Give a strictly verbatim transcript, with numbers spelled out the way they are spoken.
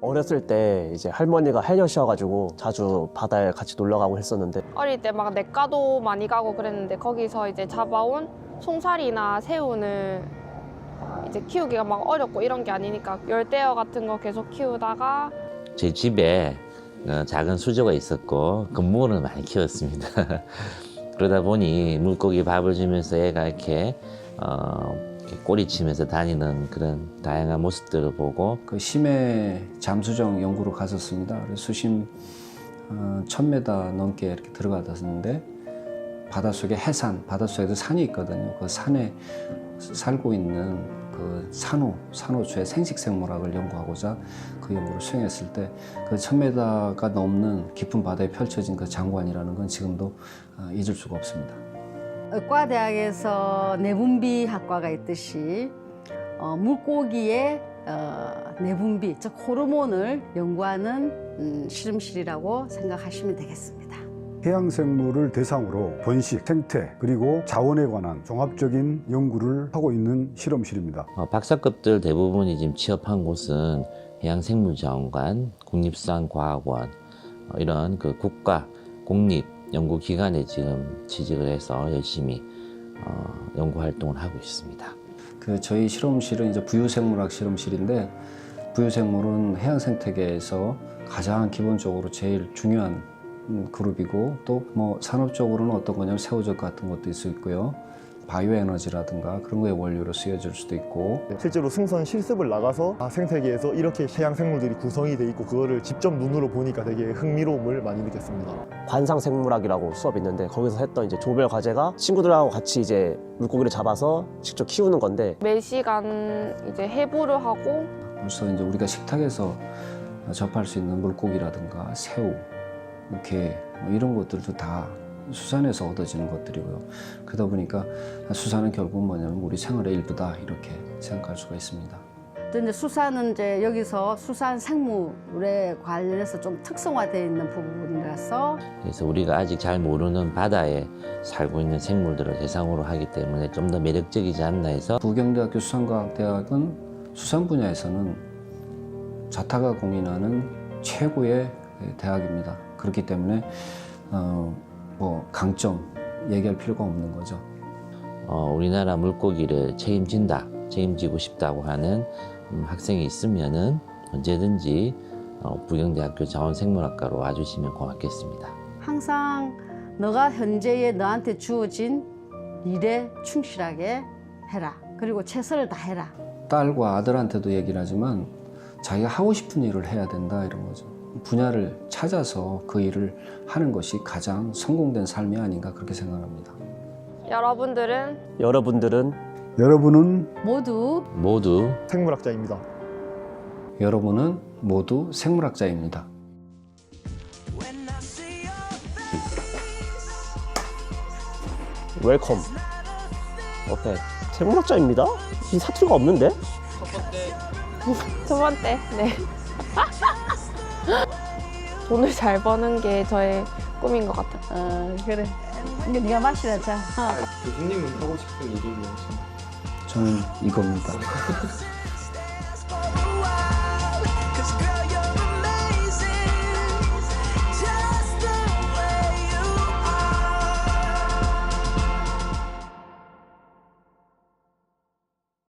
어렸을 때 이제 할머니가 해녀셔가지고 자주 바다에 같이 놀러 가고 했었는데 어릴 때 막 냇가도 많이 가고 그랬는데 거기서 이제 잡아온 송사리나 새우는 이제 키우기가 막 어렵고 이런 게 아니니까 열대어 같은 거 계속 키우다가 제 집에 어, 작은 수조가 있었고 건물을 많이 키웠습니다. 그러다 보니 물고기 밥을 주면서 애가 이렇게, 어, 이렇게 꼬리치면서 다니는 그런 다양한 모습들을 보고 그 심해 잠수정 연구로 갔었습니다. 그래서 수심 어, 천 미터 넘게 이렇게 들어갔었는데 바닷속에 해산, 바닷속에도 산이 있거든요. 그 산에 살고 있는 그 산호, 산호초의 생식생물학을 연구하고자 그 연구를 수행했을 때 그 천 미터가 넘는 깊은 바다에 펼쳐진 그 장관이라는 건 지금도 어, 잊을 수가 없습니다. 의과대학에서 내분비 학과가 있듯이 어, 물고기의 어, 내분비, 즉 호르몬을 연구하는 음, 실험실이라고 생각하시면 되겠습니다. 해양생물을 대상으로 번식, 생태, 그리고 자원에 관한 종합적인 연구를 하고 있는 실험실입니다. 어, 박사급들 대부분이 지금 취업한 곳은 해양생물자원관, 국립수산과학원 어, 이런 그 국가, 공립 연구기관에 지금 취직을 해서 열심히 어, 연구활동을 하고 있습니다. 그 저희 실험실은 이제 부유생물학 실험실인데 부유생물은 해양생태계에서 가장 기본적으로 제일 중요한 그룹이고 또 뭐 산업적으로는 어떤 거냐면 새우젓 같은 것도 있을 수 있고요. 바이오에너지라든가 그런 거의 원료로 쓰여질 수도 있고 실제로 승선 실습을 나가서 아, 생태계에서 이렇게 해양 생물들이 구성이 돼 있고 그거를 직접 눈으로 보니까 되게 흥미로움을 많이 느꼈습니다. 관상생물학이라고 수업이 있는데 거기서 했던 이제 조별 과제가 친구들하고 같이 이제 물고기를 잡아서 직접 키우는 건데 매 시간 이제 해부를 하고 벌써 이제 우리가 식탁에서 접할 수 있는 물고기라든가 새우, 게 뭐 이런 것들도 다 수산에서 얻어지는 것들이고요. 그러다 보니까 수산은 결국 뭐냐면 우리 생활의 일부다 이렇게 생각할 수가 있습니다. 또 이제 수산은 이제 여기서 수산 생물에 관련해서 좀 특성화되어 있는 부분이라서 그래서 우리가 아직 잘 모르는 바다에 살고 있는 생물들을 대상으로 하기 때문에 좀 더 매력적이지 않나 해서 부경대학교 수산과학대학은 수산 분야에서는 자타가 공인하는 최고의 대학입니다. 그렇기 때문에 어, 뭐 강점 얘기할 필요가 없는 거죠. 어, 우리나라 물고기를 책임진다, 책임지고 싶다고 하는 음, 학생이 있으면은 언제든지 어, 부경대학교 자원생물학과로 와주시면 고맙겠습니다. 항상 너가 현재에 너한테 주어진 일에 충실하게 해라. 그리고 최선을 다해라. 딸과 아들한테도 얘기를 하지만 자기가 하고 싶은 일을 해야 된다 이런 거죠. 분야를 찾아서 그 일을 하는 것이 가장 성공된 삶이 아닌가 그렇게 생각합니다. 여러분들은 여러분들은 여러분은 모두 모두 생물학자입니다. 여러분은 모두 생물학자입니다. 웰컴. 어때? 생물학자입니다? 이 사투리가 없는데? 두 번째 네 돈을 잘 버는 게 저의 꿈인 것 같아요. 어, 그래. 이거 네가 마시라 자. 어. 교수님은 하고 싶은 일이 무엇인가요? 저는 이겁니다.